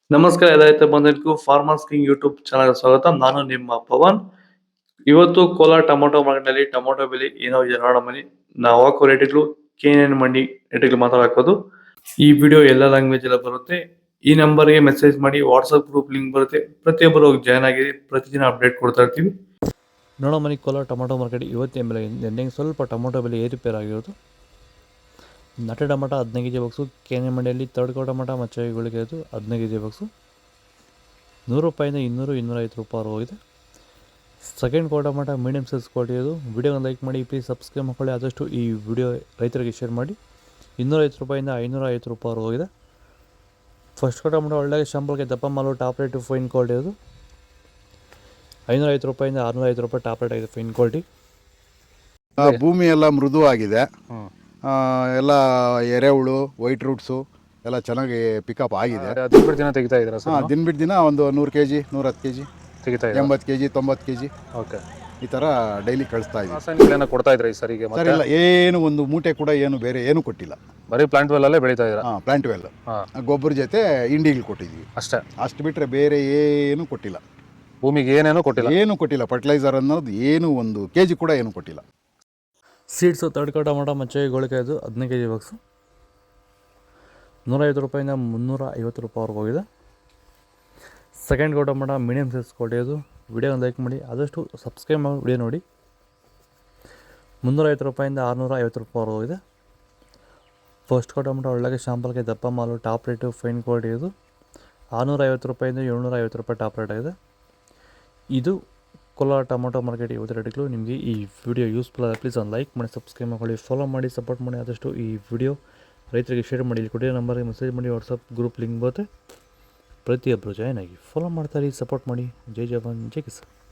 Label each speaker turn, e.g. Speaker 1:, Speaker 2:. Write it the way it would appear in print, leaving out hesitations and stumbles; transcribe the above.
Speaker 1: ನಮಸ್ಕಾರ ರೈತ ಬಂಧುಗಳಿಗೂ ಫಾರ್ಮರ್ಸ್ ಕಿಂಗ್ ಯೂಟ್ಯೂಬ್ ಚಾನಲ್ ಸ್ವಾಗತ. ನಾನು ನಿಮ್ಮ ಪವನ್. ಇವತ್ತು ಕೋಲಾರ ಟೊಮೊಟೊ ಮಾರ್ಕೆಟ್ನಲ್ಲಿ ಟೊಮೊಟೊ ಬೆಲೆ ಏನೋ ಇದೆ ನೋಡೋಣ ಬನ್ನಿ. ನಾವು ಹಾಕೋ ರೇಟ್ಗಳು KNN ಮಂಡಿ ರೇಟ್ಗಳು ಮಾತಾಡೋದು. ಈ ವಿಡಿಯೋ ಎಲ್ಲ ಲ್ಯಾಂಗ್ವೇಜ್ ಎಲ್ಲ ಬರುತ್ತೆ. ಈ ನಂಬರ್ಗೆ ಮೆಸೇಜ್ ಮಾಡಿ, ವಾಟ್ಸಪ್ ಗ್ರೂಪ್ ಲಿಂಕ್ ಬರುತ್ತೆ, ಪ್ರತಿಯೊಬ್ಬರು ಜಾಯ್ನ್ ಆಗಿ ಪ್ರತಿದಿನ ಅಪ್ಡೇಟ್ ಕೊಡ್ತಾ ಇರ್ತೀವಿ. ನೋಡೋ ಮನಿ ಕೋಲಾರ ಟೊಮೊಟೊ ಮಾರ್ಕೆಟ್ ಇವತ್ತಿನ ಬೆಲೆ ನಿನ್ನೆ ಸ್ವಲ್ಪ ಟೊಮೊಟೊ ಬೆಲೆ ಏರುಪೇರು ಆಗಿರೋದು. ನಾಟಿ ಟೊಮೊಟೊ 15 ಕೆಜಿ ಬಾಕ್ಸು KNN ಮಂಡಿಯಲ್ಲಿ ತರ್ಡ್ ಕೋ ಟೊಮೊಟೊ ಮತ್ತು ಗುಳಿಗೆ 15 ಕೆಜಿ ಬಾಕ್ಸು 100 ರೂಪಾಯಿಂದ 200-250 ರೂಪಾಯಿ ಹೋಗಿದೆ. ಸೆಕೆಂಡ್ ಕೋ ಟೊಮೊಟೊ ಮೀಡಿಯಮ್ ಸೈಜ್ ಕ್ವಾಲಿಟಿ ಅದು. ವಿಡಿಯೋನ ಲೈಕ್ ಮಾಡಿ, ಪ್ಲೀಸ್ ಸಬ್ಸ್ಕ್ರೈಬ್ ಮಾಡ್ಕೊಳ್ಳಿ. ಆದಷ್ಟು ಈ ವಿಡಿಯೋ ರೈತರಿಗೆ ಶೇರ್ ಮಾಡಿ. 250 ರೂಪಾಯಿಂದ 550 ರೂಪಾಯಿ ಹೋಗಿದೆ. ಫಸ್ಟ್ ಕೋ ಟೊಮೊಟೊ ಒಳ್ಳೆಯ ಶಾಂಪಲ್ಗೆ ದಪ್ಪ ಮಾಲು ಟಾಪ್ ರೇಟು ಫೈನ್ ಕ್ವಾಲಿಟಿ ಅದು. 550 ರೂಪಾಯಿಂದ 650 ರೂಪಾಯಿ ಟಾಪ್ ರೇಟ್ ಆಗಿದೆ ಫೈನ್ ಕ್ವಾಲಿಟಿ.
Speaker 2: ಭೂಮಿ ಎಲ್ಲ ಮೃದು ಆಗಿದೆ. ಎಲ್ಲ ಎರೆಹುಳು, ವೈಟ್ ರೂಟ್ಸು ಎಲ್ಲ ಚೆನ್ನಾಗಿ ಪಿಕಪ್ ಆಗಿದೆ.
Speaker 3: ದಿನ ಬಿಟ್ಟು ದಿನ ತೆಗಿತಾ ಇದ್ದೀರಾ ಸರ್?
Speaker 2: ದಿನ ಬಿಟ್ಟು ದಿನ ಒಂದು 100 kg 110 kg
Speaker 3: ತೆಗಿತಾ ಇದ್ದೀರಾ?
Speaker 2: 80 kg 90 kg
Speaker 3: ಓಕೆ.
Speaker 2: ಈ ಥರ ಡೈಲಿ ಕಳಿಸ್ತಾ ಇದ್ದೀವಿ.
Speaker 3: ರಾಸಾಯನಿಕಗಳನ್ನ ಕೊಡ್ತಾ ಇದ್ರಾ ಈ ಸರಿಗೆ?
Speaker 2: ಸರ್ ಇಲ್ಲ, ಏನು ಒಂದು ಮೂಟೆ ಕೂಡ ಏನು ಬೇರೆ ಏನು ಕೊಟ್ಟಿಲ್ಲ.
Speaker 3: ಬರೀ ಪ್ಲಾಂಟ್ ವೆಲ್ ಅಲ್ಲೇ ಬೆಳೀತಾ ಇದ್ದೀರಾ?
Speaker 2: ಪ್ಲಾಂಟ್ ವೆಲ್ ಗೊಬ್ಬರ ಜೊತೆ ಇಂಡಿಗಳು ಕೊಟ್ಟಿದ್ವಿ
Speaker 3: ಅಷ್ಟೇ.
Speaker 2: ಅಷ್ಟು ಬಿಟ್ಟರೆ ಬೇರೆ ಏನು ಕೊಟ್ಟಿಲ್ಲ.
Speaker 3: ಭೂಮಿಗೆ ಏನೇನೋ ಕೊಟ್ಟಿಲ್ಲ?
Speaker 2: ಏನು ಕೊಟ್ಟಿಲ್ಲ. ಫರ್ಟಿಲೈಸರ್ ಅನ್ನೋದು ಏನು 1 kg ಕೂಡ ಏನು ಕೊಟ್ಟಿಲ್ಲ.
Speaker 1: ಸೀಡ್ಸು ತರ್ಡ್ ಕೋ ಟೊಮೊಟೊ ಮತ್ತು ಗೋಳಿಕಾಯ್ದು 15 ಕೆಜಿ ಬಾಕ್ಸು 150 ರೂಪಾಯಿಂದ 350 ರೂಪಾಯಿವರೆಗೂ ಹೋಗಿದೆ. ಸೆಕೆಂಡ್ ಕೋ ಟೊಮೊಟೊ ಮೀಡಿಯಮ್ ಸೈಜ್ ಕ್ವಾಲಿಟಿ ಅದು. ವಿಡಿಯೋನ ಲೈಕ್ ಮಾಡಿ, ಆದಷ್ಟು ಸಬ್ಸ್ಕ್ರೈಬ್ ಮಾಡಿ ವಿಡಿಯೋ ನೋಡಿ. 350 ರೂಪಾಯಿಂದ 650 ರೂಪಾಯಿವರೆಗೂ ಹೋಗಿದೆ. ಫಸ್ಟ್ ಕೋ ಟೊಮೊಟೊ ಒಳ್ಳೆಗೆ ಶಾಂಪಲ್ಗೆ ದಪ್ಪ ಮಾಲು ಟಾಪ್ ರೇಟು ಫೈನ್ ಕ್ವಾಲಿಟಿ ಇದು. 650 ರೂಪಾಯಿಂದ 750 ರೂಪಾಯಿ ಟಾಪ್ ರೇಟ್ ಆಗಿದೆ. ಇದು ಕೋಲಾರ ಟೊಮೊಟೊ ಮಾರ್ಕೆಟ್ ಇವತ್ತು ರೇಟ್ಗಳು. ನಿಮಗೆ ಈ ವಿಡಿಯೋ ಯೂಸ್ಫುಲ್ ಆದರೆ ಪ್ಲೀಸ್ ಒಂದು ಲೈಕ್ ಮಾಡಿ, ಸಬ್ಸ್ಕ್ರೈಬ್ ಮಾಡ್ಕೊಳ್ಳಿ, ಫಾಲೋ ಮಾಡಿ, ಸಪೋರ್ಟ್ ಮಾಡಿ. ಆದಷ್ಟು ಈ ವಿಡಿಯೋ ರೈತರಿಗೆ ಶೇರ್ ಮಾಡಿ. ಇಲ್ಲಿ ಕೊಟ್ಟಿರೋ ನಂಬರ್ಗೆ ಮೆಸೇಜ್ ಮಾಡಿ, ವಾಟ್ಸಪ್ ಗ್ರೂಪ್ ಲಿಂಕ್ ಬರುತ್ತೆ, ಪ್ರತಿಯೊಬ್ಬರು ಜಾಯ್ನ್ ಆಗಿ ಫಾಲೋ ಮಾಡ್ತಾರೆ, ಸಪೋರ್ಟ್ ಮಾಡಿ. ಜೈ ಜವಾನ್ ಜೈ ಕಿಸಾನ್.